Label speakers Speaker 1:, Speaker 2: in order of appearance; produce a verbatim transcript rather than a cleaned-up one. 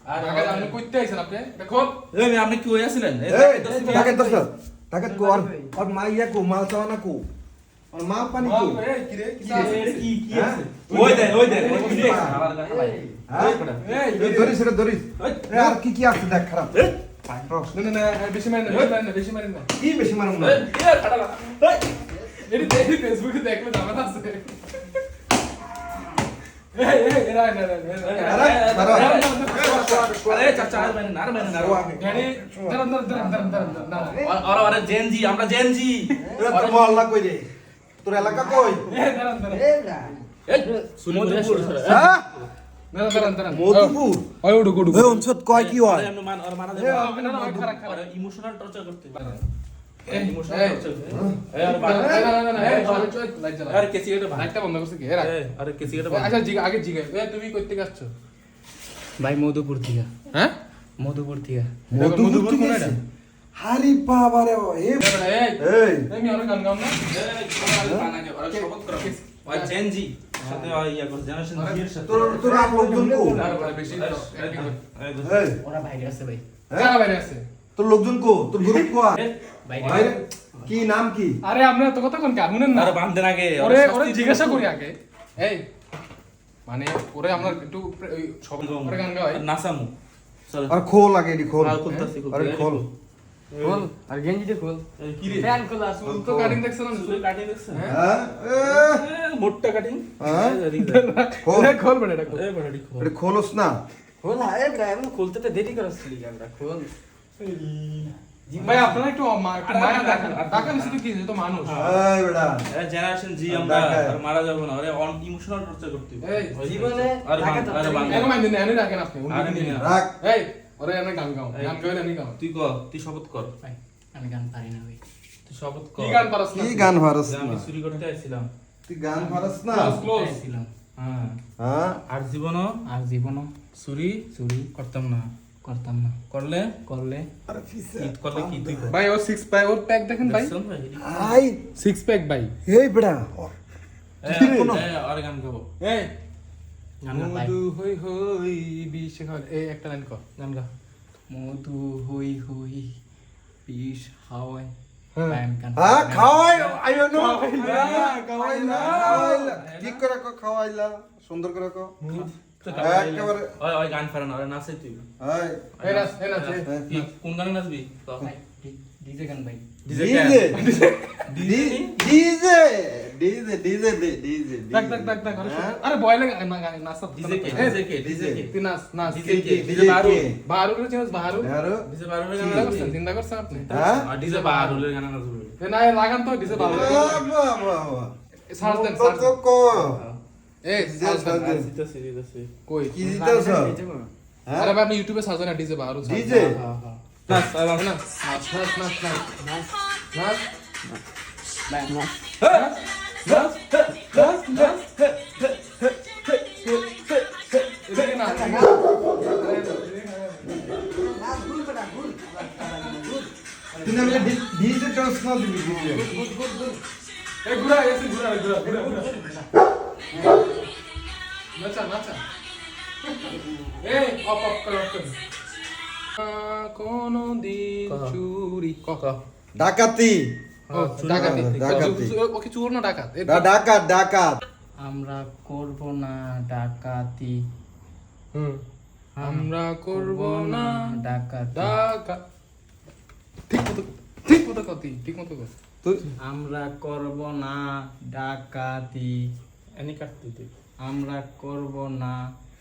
Speaker 1: আর
Speaker 2: ঢাকা আপনি কইতে আইছেন আপনি দেখো
Speaker 1: এই মেয়ে, আপনি কি হয়ে আছিলেন? এই
Speaker 3: এই
Speaker 1: দশ মিনিট-
Speaker 3: টাকা দশ টাকা কো আর আর মা ইয়া কো মাল চাওয়া কো আর মা পানি কো
Speaker 2: এই কি রে কি
Speaker 1: কি রে, এটা কি কি
Speaker 3: হ্যাঁ?
Speaker 1: আছে? ওই দেন, ওই দেন, ওই কি রে? আবার গায়ে হালাই।
Speaker 3: হ্যাঁ
Speaker 2: এই
Speaker 3: এই ধরিস রে ধরিস এ আর কি কি আছে দেখ খারাপ
Speaker 1: এই,
Speaker 2: না না না বেশি মারেন না বেশি মারেন না বেশি মারেন না
Speaker 3: কি বেশি মারুম না
Speaker 1: এই, এই, খাটা লাগা। এই,
Speaker 2: এটি দেখি ফেসবুকে দেখলে জামাত আছে এই এই এরা না না
Speaker 3: আরে সারা
Speaker 1: আরে চাচা, আর বাইরে না, আর বাইরে না, আর বাইরে না।
Speaker 2: গাড়ি দাঁড়ান দাঁড়ান দাঁড়ান দাঁড়ান দাঁড়ান না
Speaker 1: আর- আর- আর জেনজি, আমরা জেনজি।
Speaker 3: এরা তোর মহল্লা কই রে তোর এলাকা কই
Speaker 2: এই দাঁড়ান দাঁড়ান
Speaker 1: এই, মধুপুর।
Speaker 3: হ্যাঁ
Speaker 2: দাঁড়ান দাঁড়ান দাঁড়ান
Speaker 3: মধুপুর
Speaker 2: ওই উড়ু উড়ু
Speaker 3: এই অঞ্চত কয় কি হয়
Speaker 1: আরে, আপনি মান- আর মারা
Speaker 2: এ,
Speaker 1: যাবে।
Speaker 2: না, না, ওই খারাপ, খারাপ।
Speaker 1: আর emotional torture করতে পারে।
Speaker 2: এই,
Speaker 1: Emotional
Speaker 2: এই।
Speaker 1: torture। এই, আর বাড়ি-
Speaker 2: না না না না এই চল চল লাইট জ্বালা
Speaker 1: আরে, কেসি এটা ভাই।
Speaker 2: লাইটটা বন্ধ করছে কি এরা
Speaker 1: এই, আরে, কেসি এটা ভাই।
Speaker 2: আচ্ছা জিগা আগে জিগা এ তুমি কই থেকে আসছো
Speaker 4: ভাই মধুপুর থেকে
Speaker 2: হ্যাঁ
Speaker 4: মধুপুর থেকে
Speaker 3: মধুপুর ঠিক আছে হারি বাবা রে এ
Speaker 2: এই এই
Speaker 3: এই
Speaker 2: এই মি অনেক গান গাও না
Speaker 1: এই, তোমার বানাকে, ওরা শপথ করো। ওই জেনজি, সাথে ওই ইয়া করো, generation Z এর সাথে।
Speaker 3: তোর তোর আর লোকজন কো
Speaker 2: আর বড় বেশি তো acting করে।
Speaker 1: এই,
Speaker 3: এই
Speaker 4: ওরা বাইরে আছে ভাই
Speaker 2: কারা বাইরে আছে
Speaker 3: তোর লোকজন কো তোর গ্রুপ কো
Speaker 1: এই,
Speaker 4: বাইরে
Speaker 3: বাইরে কি নাম কি
Speaker 2: আরে আমরা তো কথা কোন কার শুনেন না
Speaker 1: আরে, বান্ধেন আগে।
Speaker 2: ওরে
Speaker 1: শাস্তি
Speaker 2: ওরে
Speaker 1: দিতে
Speaker 2: জিজ্ঞাসা
Speaker 1: হবে।
Speaker 2: করি আগে এই মানে ওরে আমরা একটু ওই সব ওরে গান গাওয়াই
Speaker 1: আর নাচামু। চলো।
Speaker 3: আর খোল আগে এডি খোল
Speaker 1: আর খুলতাছি, খুলতাছি।
Speaker 3: আরে খোল
Speaker 4: খোল আর গেঞ্জিটা খোল
Speaker 1: এই, কি রে?
Speaker 4: ফ্যান খোল আর
Speaker 2: চুল তো কাটিং দেখছ না
Speaker 1: চুলের cutting দেখছেন?
Speaker 3: হ্যাঁ এ,
Speaker 1: এই, মোটটা cutting।
Speaker 3: হ্যাঁ?
Speaker 1: এই, এদিকে দেখ।
Speaker 3: খোল
Speaker 2: এটা খোল বেটা এটা খোল
Speaker 1: এই, বেটা, এদিকে খোল।
Speaker 3: এটা খোলস না
Speaker 4: খোল আরে ব্রা এমন খুলতে তো দেরি করছিলি আমরা খোল
Speaker 2: ভাই আপনারা একটু মা- একটু মায়া দেখেন দেখেন শুধু কি তো মানুষ
Speaker 3: এই বেটা
Speaker 1: এই generation Z আমরা
Speaker 3: দেখায়।
Speaker 1: আর মারা যাবো না। ওরে on- emotional torture করতে হবে।
Speaker 2: এই,
Speaker 1: ওই
Speaker 4: জীবনে
Speaker 1: আরে
Speaker 4: টাকা
Speaker 1: বান্ধ- আরে
Speaker 4: তো
Speaker 1: বান্ধ।
Speaker 2: এনে মাইন্ড এনে রাখেন আপনি উনি
Speaker 1: আরে
Speaker 2: নিয়ে
Speaker 1: নিয়ে
Speaker 2: নেন।
Speaker 3: রাখ
Speaker 2: এই ওরে এনে গান গাও গান গাইলে আমি গাও
Speaker 1: তুই ক, তুই শপথ কর।
Speaker 4: ভাই আমি গান পারি না ভাই
Speaker 1: তুই শপথ কর।
Speaker 2: কি গান পারছ না
Speaker 3: কি গান পারস
Speaker 1: যে
Speaker 3: না
Speaker 1: আমি চুরি করতে আইছিলাম।
Speaker 3: তুই গান পারস না
Speaker 2: Close, close.
Speaker 4: ছিলাম
Speaker 1: হ্যাঁ।
Speaker 3: হ্যাঁ
Speaker 1: আর জীবনও
Speaker 4: আর জীবনও
Speaker 1: চুরি
Speaker 4: চুরি
Speaker 1: করতাম না।
Speaker 4: করতাম না
Speaker 1: করলে
Speaker 4: করলে
Speaker 3: আরে ফিসে
Speaker 1: কি করলে কি তুই কর।
Speaker 2: ভাই ওর সিক্স প্যাক ওর প্যাক দেখেন ভাই
Speaker 1: দেখছেন ভাই?
Speaker 3: আই
Speaker 2: সিক্স প্যাক ভাই
Speaker 3: এই বেটা
Speaker 1: এই,
Speaker 3: কি রে?
Speaker 1: এই, আরে গান গাবো।
Speaker 2: এই
Speaker 4: গান গা ভাই
Speaker 2: মধু হই হই বিশ খাল এই একটা লাইন কর
Speaker 1: গান গা।
Speaker 4: মধু হই হই বিষ হাওয়ায়
Speaker 2: হ্যাঁ।
Speaker 4: প্যান কান
Speaker 3: হ্যাঁ খাওয়াই আইও নো
Speaker 2: খাওয়াইলা, খাওয়াইলা।
Speaker 3: খাওয়াইলা ঠিক করে কো খাওয়াইলা সুন্দর করে কো
Speaker 1: তো
Speaker 3: একেবারে
Speaker 1: ওই, ওই গান ফেরা না, ওরে নাচে তুই।
Speaker 3: এই
Speaker 2: এই নাচ এই নাচ এই।
Speaker 3: হ্যাঁ।
Speaker 1: কি, কোন গানে নাচবি? ক।
Speaker 4: ভাই ডিজে গান ভাই
Speaker 1: DJ
Speaker 3: DJ
Speaker 1: DJ
Speaker 3: DJ DJ DJ DJ
Speaker 2: দেখ দেখ দেখ দেখ আরে
Speaker 3: হ্যাঁ?
Speaker 2: শোন। আরে বয় লাগে না গান নাচ
Speaker 1: ডিজে কে,
Speaker 2: এই,
Speaker 1: ডিজে কে, ডিজে কে।
Speaker 2: তুই নাচ নাচ
Speaker 1: ডিজে কে,
Speaker 3: ডিজে
Speaker 1: ডিজে বারু।
Speaker 3: কে?
Speaker 2: বাহারুলের চিনিস বাহারুল
Speaker 3: আরো
Speaker 1: ডিজে বারুলের গান
Speaker 2: চিন্তা
Speaker 1: নাচবি?
Speaker 2: করছেন চিন্তা করছেন আপনি
Speaker 3: হ্যাঁ
Speaker 1: আর ডিজে বারুলের গান নাচবি।
Speaker 2: এ না এ লাগান তো ডিজে বাহারুল
Speaker 3: বাবা বাবা
Speaker 2: সার্চ দেন
Speaker 3: তো
Speaker 2: সার্চ
Speaker 3: তো কো
Speaker 2: এই সার্চ দেন
Speaker 3: দেন।
Speaker 1: দিতেছি, দিতেছি।
Speaker 2: কই
Speaker 3: কি দিতেছ হ্যাঁ
Speaker 2: আরে ভাই আপনি ইউটিউবে সার্চ দেন ডিজে বাহারুল সার্চ
Speaker 3: ডিজে
Speaker 2: হ্যাঁ হ্যাঁ
Speaker 1: নাচ, আর নাচ।
Speaker 2: নাচ নাচ নাচ নাচ নাচ নাচ
Speaker 4: ভাই না
Speaker 2: নাচ নাচ নাচ এদিকে না
Speaker 3: তুমি আমি ডিজে ডান্স না দিবি ডিজে
Speaker 2: এ ঘুরা এসে ঘুরা ঘুরা ঘুরা ঘুরা নাচা নাচা এই অপ অপ কর অপ কর কোন দিন
Speaker 1: কহ।
Speaker 2: চুরি কক
Speaker 3: ডাকাতি
Speaker 2: ও ডাকাতি
Speaker 3: ডাকাতি।
Speaker 2: ওকে চোর না ডাকাত এই
Speaker 3: ডা- ডাকাত ডাকাত
Speaker 4: আমরা করব না ডাকাতি
Speaker 2: হুম আমরা করব না
Speaker 4: ডাকাতি
Speaker 2: ডাকাত ঠিক মতো ঠিক মতো কতি ঠিক মতো কর
Speaker 3: তুই
Speaker 4: আমরা করব না ডাকাতি
Speaker 1: এনি কাটতে তুই।
Speaker 4: আমরা করব না